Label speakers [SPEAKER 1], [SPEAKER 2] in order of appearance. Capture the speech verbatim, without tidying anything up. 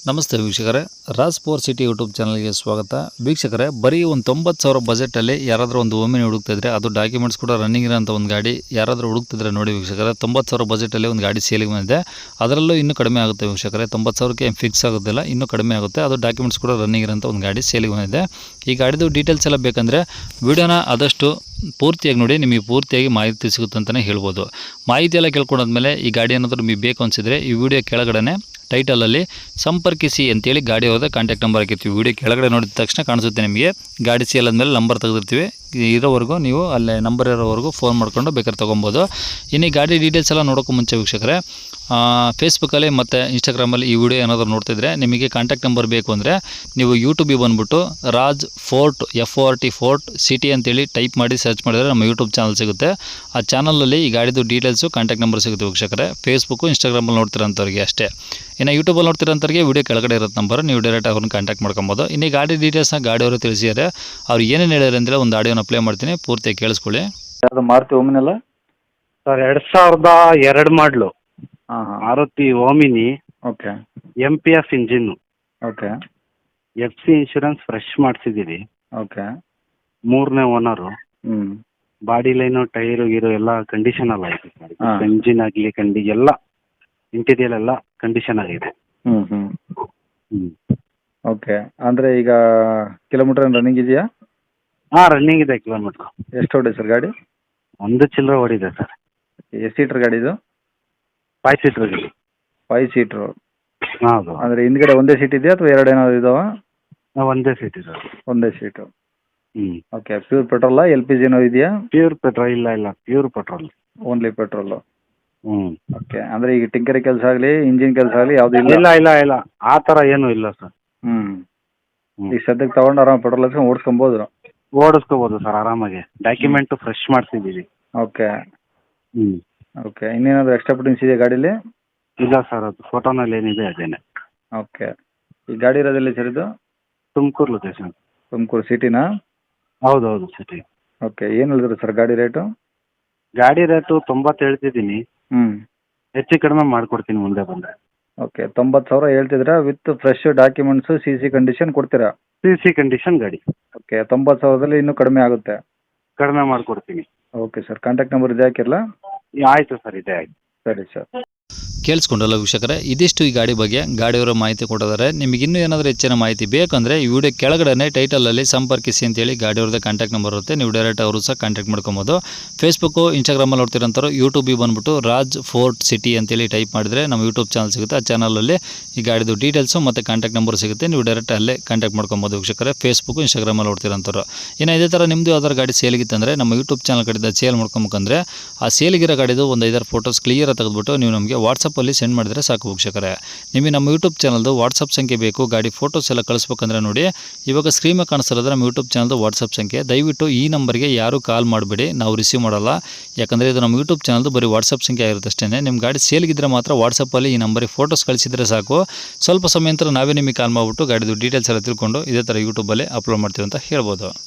[SPEAKER 1] ನಮಸ್ತೆ ವೀಕ್ಷಕರೇ, Raj four city YouTube ಚಾನಲ್ಗೆ ಸ್ವಾಗತ. ವೀಕ್ಷಕರೇ, ಬರೀ ಒಂದು ತೊಂಬತ್ತು ಸಾವಿರ ಬಜೆಟಲ್ಲಿ ಯಾರಾದರೂ ಒಂದು ಓಮಿನಿ ಹುಡುಕ್ತಿದ್ರೆ, ಅದು ಡಾಕ್ಯುಮೆಂಟ್ಸ್ ಕೂಡ ರನ್ನಿಂಗ್ ಇರೋಂಥ ಒಂದು ಗಾಡಿ ಯಾರಾದರೂ ಹುಡುಕ್ತಿದ್ರೆ ನೋಡಿ ವೀಕ್ಷಕರೇ, ತೊಂಬತ್ತು ಸಾವಿರ ಬಜೆಟಲ್ಲಿ ಒಂದು ಗಾಡಿ ಸೇಲಿಗೆ ಬಂದಿದೆ. ಅದರಲ್ಲೂ ಇನ್ನೂ ಕಡಿಮೆ ಆಗುತ್ತೆ ವೀಕ್ಷಕರೇ, ತೊಂಬತ್ತು ಸಾವಿರಕ್ಕೆ ಫಿಕ್ಸ್ ಆಗೋದಿಲ್ಲ, ಇನ್ನೂ ಕಡಿಮೆ ಆಗುತ್ತೆ. ಅದು ಡಾಕ್ಯುಮೆಂಟ್ಸ್ ಕೂಡ ರನ್ನಿಂಗ್ ಇರೋಂಥ ಒಂದು ಗಾಡಿ ಸೇಲಿಗೆ ಬಂದಿದೆ. ಈ ಗಾಡಿದು ಡೀಟೇಲ್ಸ್ ಎಲ್ಲ ಬೇಕಂದರೆ ವಿಡಿಯೋನ ಆದಷ್ಟು ಪೂರ್ತಿಯಾಗಿ ನೋಡಿ, ನಿಮಗೆ ಪೂರ್ತಿಯಾಗಿ ಮಾಹಿತಿ ಸಿಗುತ್ತೆ ಅಂತಲೇ ಹೇಳ್ಬೋದು. ಮಾಹಿತಿ ಎಲ್ಲ ಕೇಳ್ಕೊಂಡಾದ್ಮೇಲೆ ಈ ಗಾಡಿ ಏನಾದರೂ ನಿಮಗೆ ಬೇಕು ಅನಿಸಿದರೆ ಈ ವಿಡಿಯೋ ಕೆಳಗಡೆ ಟೈಟಲಲ್ಲಿ ಸಂಪರ್ಕಿಸಿ ಅಂತೇಳಿ ಗಾಡಿ ಹೋದ ಕಾಂಟ್ಯಾಕ್ಟ್ ನಂಬರ್ ಹಾಕಿರ್ತೀವಿ. ವಿಡಿಯೋ ಕೆಳಗಡೆ ನೋಡಿದ ತಕ್ಷಣ ಕಾಣಿಸುತ್ತೆ ನಿಮಗೆ. ಗಾಡಿ ಸೇಲ್ ಆದಮೇಲೆ ನಂಬರ್ ತೆಗೆದಿರ್ತೀವಿ, ಇರೋವರೆಗೂ ನೀವು ಅಲ್ಲೇ ನಂಬರ್ ಇರೋವರೆಗೂ ಫೋನ್ ಮಾಡ್ಕೊಂಡು ಬೇಕಾದ್ರೆ ತೊಗೊಬೋದು. ಇನ್ನು ಈ ಗಾಡಿ ಡೀಟೇಲ್ಸ್ ಎಲ್ಲ ನೋಡೋಕ್ಕೂ ಮುಂಚೆ ವೀಕ್ಷಕರೇ, ಫೇಸ್ಬುಕ್ಕಲ್ಲಿ ಮತ್ತು ಇನ್ಸ್ಟಾಗ್ರಾಮಲ್ಲಿ ಈ ವಿಡಿಯೋ ಏನಾದರೂ ನೋಡ್ತಿದ್ರೆ ನಿಮಗೆ ಕಾಂಟ್ಯಾಕ್ಟ್ ನಂಬರ್ ಬೇಕು ಅಂದರೆ ನೀವು ಯೂಟ್ಯೂಬಿಗೆ ಬಂದುಬಿಟ್ಟು Raj fort F O R T fort city ಅಂತೇಳಿ ಟೈಪ್ ಮಾಡಿ ಸರ್ಚ್ ಮಾಡಿದರೆ ನಮ್ಮ ಯೂಟ್ಯೂಬ್ ಚಾನಲ್ ಸಿಗುತ್ತೆ. ಆ ಚಾನಲಲ್ಲಿ ಈ ಗಾಡಿದು ಡೀಟೇಲ್ಸು ಕಾಂಟ್ಯಾಕ್ಟ್ ನಂಬರ್ ಸಿಗುತ್ತೆ ವೀಕ್ಷಕರೇ. ಫೇಸ್ಬುಕ್ಕು ಇನ್ಸ್ಟಾಗ್ರಾಮಲ್ಲಿ ನೋಡ್ತಿರೋಂಥವ್ರಿಗೆ ಅಷ್ಟೇ. ಇನ್ನು ಯೂಟ್ಯೂಬಲ್ಲಿ ನೋಡ್ತಿರೋಂಥವ್ರಿಗೆ ವಿಡಿಯೋ ಕೆಳಗಡೆ ಇರೋದು ನಂಬರ್, ನೀವು ಡೈರೆಕ್ಟ್ ಅವ್ರನ್ನ ಕಾಂಟ್ಯಾಕ್ಟ್ ಮಾಡ್ಕೊಬೋದು. ಇನ್ನು ಈ ಗಾಡಿ ಡೀಟೇಲ್ಸ್ನ ಗಾಡಿಯವರು ತಿಳಿಸಿದ್ದಾರೆ. ಅವ್ರು ಏನೇನು ಹೇಳ್ಯಾರ ಅಂದರೆ ಒಂದು ಆಡಿಯೋನ ಪ್ಲೇ ಮಾಡ್ತೀನಿ, ಪೂರ್ತಿ ಕೇಳಿಸ್ಕೊಳ್ಳಿ.
[SPEAKER 2] ಯಾವುದು ಮಾರುತಿ ಓಮಿನಲ್ಲ
[SPEAKER 3] ಸರ್, ಎರಡು ಸಾವಿರದ ಎರಡು ಮಾಡಲು
[SPEAKER 2] ಹಾಂ ಹಾಂ
[SPEAKER 3] Maruti Omni,
[SPEAKER 2] okay
[SPEAKER 3] M P F engine,
[SPEAKER 2] okay
[SPEAKER 3] F C insurance fresh ಮಾಡಿಸಿದ್ದೀವಿ.
[SPEAKER 2] ಓಕೆ
[SPEAKER 3] ಮೂರನೇ ಓನರು.
[SPEAKER 2] ಹ್ಞೂ
[SPEAKER 3] ಬಾಡಿ ಲೈನು ಟೈರು ಗೀರು ಎಲ್ಲ ಕಂಡೀಷನ್ ಎಲ್ಲ ಆಗಿದೆ ಸರ್.
[SPEAKER 2] ಹಾಂ.
[SPEAKER 3] ಎಂಜಿನ್ ಆಗಲಿ ಕಂಡಿ ಎಲ್ಲ ಇಂಟೀರಿಯಲ್ ಎಲ್ಲ ಕಂಡೀಷನ್ ಆಗಿದೆ.
[SPEAKER 2] ಹ್ಞೂ ಹ್ಞೂ
[SPEAKER 3] ಹ್ಞೂ
[SPEAKER 2] ಓಕೆ. ಅಂದರೆ ಈಗ ಕಿಲೋಮೀಟ್ರ್ ರನ್ನಿಂಗ್ ಇದೆಯಾ?
[SPEAKER 3] ಹಾಂ, ರನ್ನಿಂಗ್ ಇದೆ ಕಿಲೋಮೀಟ್ರ್.
[SPEAKER 2] ಎಷ್ಟು ಹೊಡೆ ಸರ್ ಗಾಡಿ?
[SPEAKER 3] ಒಂದು ಚಿಲ್ಲರೆ ಓಡಿದೆ ಸರ್.
[SPEAKER 2] ಎಷ್ಟು ಸೀಟ್ರ್ ಗಾಡಿ ಇದು?
[SPEAKER 3] ಫೈವ್ ಸೀಟ್ರ್ ಗಾಡಿ.
[SPEAKER 2] Five seater.
[SPEAKER 3] ಹೌದು.
[SPEAKER 2] ಅಂದರೆ ಹಿಂದ್ಗಡೆ ಒಂದೇ ಸೀಟ್ ಇದೆಯಾ ಅಥವಾ ಎರಡು ಏನಾದ್ರು ಇದಾವಾ?
[SPEAKER 3] ಒಂದೇ ಸೀಟ್ ಇದೆ.
[SPEAKER 2] ಒಂದೇ ಸೀಟು.
[SPEAKER 3] ಹ್ಞೂ
[SPEAKER 2] ಓಕೆ. ಪ್ಯೂರ್ ಪೆಟ್ರೋಲಾ ಎಲ್ ಪಿ ಜಿನೋ ಇದೆಯಾ?
[SPEAKER 3] ಪ್ಯೂರ್ ಪೆಟ್ರೋಲ್ ಇಲ್ಲ ಇಲ್ಲ ಪ್ಯೂರ್ ಪೆಟ್ರೋಲ್.
[SPEAKER 2] Only petrol.
[SPEAKER 3] ಹ್ಞೂ.
[SPEAKER 2] ಓಕೆ. ಅಂದರೆ ಈಗ ಟಿಂಕರಿ ಕೆಲಸ ಆಗಲಿ ಇಂಜಿನ್ ಕೆಲಸ ಆಗಲಿ ಯಾವುದೂ ಇಲ್ಲ?
[SPEAKER 3] ಇಲ್ಲ ಇಲ್ಲ ಇಲ್ಲ ಆ ಥರ ಏನೂ ಇಲ್ಲ ಸರ್.
[SPEAKER 2] ಹ್ಞೂ
[SPEAKER 3] ಹ್ಞೂ.
[SPEAKER 2] ಈಗ ಸದ್ಯಕ್ಕೆ ತೊಗೊಂಡು ಆರಾಮ ಪೆಟ್ರೋಲ್ ಹಾಕ್ಸ್ಕೊಂಡು ಓಡಿಸ್ಕೊಬೋದು?
[SPEAKER 3] ಓಡಿಸ್ಕೋಬೋದು ಸರ್ ಆರಾಮಾಗಿ. ಡಾಕ್ಯುಮೆಂಟು ಫ್ರೆಶ್ ಮಾಡಿಸಿದ್ದೀವಿ.
[SPEAKER 2] ಓಕೆ
[SPEAKER 3] ಹ್ಞೂ.
[SPEAKER 2] ಓಕೆ. ಇನ್ನೇನಾದರೂ ಎಕ್ಸ್ಟ್ರಾ ಫಿಟ್ಟಿಂಗ್ಸ್ ಇದೆಯಾ ಗಾಡೀಲಿ?
[SPEAKER 3] ಇಲ್ಲ ಸರ್, ಅದು ಫೋಟೋನಲ್ಲಿ ಏನಿದೆ ಅದೇನೆ.
[SPEAKER 2] ಓಕೆ. ಈ ಗಾಡಿ ಇರೋದೆಲ್ಲಿ ಸರ್ ಇದು?
[SPEAKER 3] ತುಮಕೂರು ಲೊಕೇಶನ್.
[SPEAKER 2] ತುಮಕೂರು ಸಿಟಿನಾ?
[SPEAKER 3] ಹೌದು ಹೌದು ಸಿಟಿ.
[SPEAKER 2] ಓಕೆ. ಏನು ಹೇಳಿದ್ರು ಸರ್ ಗಾಡಿ ರೇಟು?
[SPEAKER 3] ಗಾಡಿ ರೇಟು ತೊಂಬತ್ತು ಹೇಳ್ತಿದ್ದೀನಿ,
[SPEAKER 2] ಹ್ಞೂ
[SPEAKER 3] ಹೆಚ್ಚು ಕಡಿಮೆ ಮಾಡಿಕೊಡ್ತೀನಿ ಮುಂದೆ ಬಂದರೆ.
[SPEAKER 2] ಓಕೆ. ತೊಂಬತ್ತು ಸಾವಿರ ಹೇಳ್ತಿದ್ದೀರಾ, with fresh documents C C condition ಕೊಡ್ತೀರಾ?
[SPEAKER 3] ಸಿ ಸಿ ಕಂಡೀಷನ್ ಗಾಡಿ.
[SPEAKER 2] ಓಕೆ. ತೊಂಬತ್ತು ಸಾವಿರದಲ್ಲಿ ಇನ್ನೂ ಕಡಿಮೆ ಆಗುತ್ತೆ?
[SPEAKER 3] ಕಡಿಮೆ ಮಾಡಿಕೊಡ್ತೀನಿ.
[SPEAKER 2] Okay sir. ಕಾಂಟ್ಯಾಕ್ಟ್ ನಂಬರ್ ಇದೆ ಹಾಕಿರಲಾ?
[SPEAKER 3] ಆಯಿತು ಸರ್, ಇದೆ ಆಯಿತು.
[SPEAKER 2] ಸರಿ ಸರ್.
[SPEAKER 1] ಕೇಳಿಸ್ಕೊಂಡಲ್ಲ ವೀಕ್ಷಕರೇ, ಇದಿಷ್ಟು ಈ ಗಾಡಿ ಬಗ್ಗೆ ಗಾಡಿಯವರ ಮಾಹಿತಿ ಕೊಟ್ಟಿದ್ದಾರೆ. ನಿಮಗೆ ಇನ್ನೂ ಏನಾದರೂ ಹೆಚ್ಚಿನ ಮಾಹಿತಿ ಬೇಕಂದರೆ ಈ ವಿಡಿಯೋ ಕೆಳಗಡೆ ಟೈಟಲಲ್ಲಿ ಸಂಪರ್ಕಿಸಿ ಅಂತೇಳಿ ಗಾಡಿಯವ್ರದ್ದು ಕಾಂಟ್ಯಾಕ್ಟ್ ನಂಬರ್ ಇರುತ್ತೆ, ನೀವು ಡೈರೆಕ್ಟ್ ಅವರು ಸಹ ಕಾಂಟ್ಯಾಕ್ಟ್ ಮಾಡ್ಕೊಬೋದು. ಫೇಸ್ಬುಕ್ಕು ಇನ್ಸ್ಟಾಗ್ರಾಮಲ್ಲಿ ನೋಡ್ತಿರೋಂಥವ್ರು ಯೂಟ್ಯೂಬಿಗೆ ಬಂದುಬಿಟ್ಟು ರಾಜ್ ಫೋರ್ಟ್ ಸಿಟಿ ಅಂತೇಳಿ ಟೈಪ್ ಮಾಡಿದರೆ ನಮ್ಮ ಯೂಟ್ಯೂಬ್ ಚಾನಲ್ ಸಿಗುತ್ತೆ. ಆ ಚಾನಲಲ್ಲಿ ಈ ಗಾಡಿದು ಡೀಟೇಲ್ಸು ಮತ್ತು ಕಾಂಟ್ಯಾಕ್ಟ್ ನಂಬರ್ ಸಿಗುತ್ತೆ, ನೀವು ಡೈರೆಕ್ಟ್ ಅಲ್ಲೇ ಕಾಂಟ್ಯಾಕ್ಟ್ ಮಾಡ್ಕೊಬೋದು ವೀಕ್ಷಕರೇ. ಫೇಸ್ಬುಕ್ಕು ಇನ್ಸ್ಟಾಗ್ರಾಮಲ್ಲಿ ನೋಡ್ತಿರೋಂಥವ್ರು. ಇನ್ನು ಇದೇ ಥರ ನಿಮ್ಮದು ಯಾವ್ದಾದ್ರು ಗಾಡಿ ಸೇಲಿಗಿತ್ತಂದರೆ ನಮ್ಮ ಯೂಟ್ಯೂಬ್ ಚಾನಲ್ ಕಡೆಯಿಂದ ಸೇಲ್ ಮಾಡ್ಕೊಬೇಕಂದ್ರೆ ಆ ಸೇಲಿಗಿರೋ ಗಾಡಿದು ಒಂದು ಐದಾರು ಫೋಟೋಸ್ ಕ್ಲಿಯರಾಗಿ ತೆಗೆದುಬಿಟ್ಟು ನೀವು ನಮಗೆ ವಾಟ್ಸಪ್ಪಲ್ಲಿ ಸೆಂಡ್ ಮಾಡಿದರೆ ಸಾಕು ವೀಕ್ಷಕರೇ. ನಿಮಗೆ ನಮ್ಮ ಯೂಟ್ಯೂಬ್ ಚಾನಲ್ದು ವಾಟ್ಸಪ್ ಸಂಖ್ಯೆ ಬೇಕು, ಗಾಡಿ ಫೋಟೋಸ್ ಎಲ್ಲ ಕಳಿಸ್ಬೇಕಂದ್ರೆ ನೋಡಿ ಇವಾಗ ಸ್ಕ್ರೀನ್ ಮೇಲೆ ಕಾಣಿಸ್ತಿರೋದು ನಮ್ಮ ಯೂಟ್ಯೂಬ್ ಚಾನಲ್ದು ವಾಟ್ಸಪ್ ಸಂಖ್ಯೆ. ದಯವಿಟ್ಟು ಈ ನಂಬರ್ಗೆ ಯಾರೂ ಕಾಲ್ ಮಾಡಬೇಡಿ, ನಾವು ರಿಸೀವ್ ಮಾಡಲ್ಲ. ಯಾಕಂದರೆ ಇದು ನಮ್ಮ ಯೂಟ್ಯೂಬ್ ಚಾನಲ್ದು ಬರೀ ವಾಟ್ಸಪ್ ಸಂಖ್ಯೆ ಆಗಿರುತ್ತೆ ಅಷ್ಟೇ. ನಿಮ್ಮ ಗಾಡಿ ಸೇಲ್ಗಿದ್ರೆ ಮಾತ್ರ ವಾಟ್ಸಪ್ಪಲ್ಲಿ ಈ ನಂಬರಿಗೆ ಫೋಟೋಸ್ ಕಳಿಸಿದರೆ ಸಾಕು. ಸ್ವಲ್ಪ ಸಮಯ ನಂತರ ನಾವೇ ನಿಮಗೆ ಕಾಲ್ ಮಾಡಿಬಿಟ್ಟು ಗಾಡಿದು ಡೀಟೇಲ್ಸ್ ಎಲ್ಲ ತಿಳ್ಕೊಂಡು ಇದೇ ಥರ ಯೂಟ್ಯೂಬಲ್ಲಿ ಅಪ್ಲೋಡ್ ಮಾಡ್ತೀವಿ ಅಂತ ಹೇಳ್ಬೋದು.